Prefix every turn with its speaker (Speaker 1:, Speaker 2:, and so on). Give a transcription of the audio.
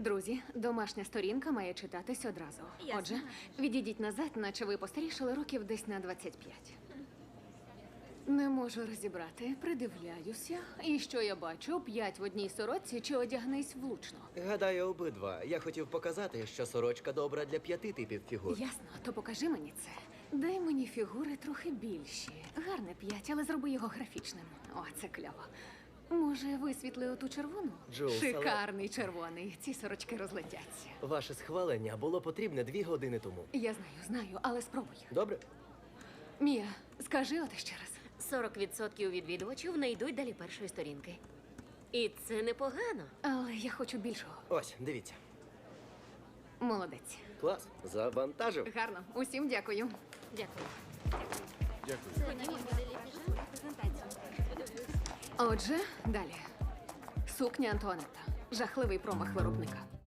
Speaker 1: Друзі, домашня сторінка має читатись одразу.
Speaker 2: Ясно.
Speaker 1: Отже, відійдіть назад, наче ви постарішали років десь на 25. Не можу розібрати, придивляюся. І що я бачу? 5 в одній сорочці чи одягнись влучно?
Speaker 3: Гадаю, обидва. Я хотів показати, що сорочка добра для 5 типів фігур.
Speaker 1: Ясно, то покажи мені це. Дай мені фігури трохи більші. Гарне 5, але зроби його графічним. О, це кльово. Може, висвітли оту червону?
Speaker 3: Джулс, але-
Speaker 1: Шикарний червоний. Ці сорочки розлетяться.
Speaker 3: Ваше схвалення було потрібне 2 години тому.
Speaker 1: Я знаю, але спробуй.
Speaker 3: Добре?
Speaker 1: Мія, скажи от ще раз.
Speaker 2: 40% відвідувачів не йдуть далі першої сторінки. І це непогано.
Speaker 1: Але я хочу більшого.
Speaker 3: Ось, дивіться.
Speaker 1: Молодець.
Speaker 3: Клас. Завантажив.
Speaker 1: Гарно. Усім дякую.
Speaker 2: Дякую.
Speaker 1: Отже, далі. Сукня Антуанетта. Жахливий промах виробника.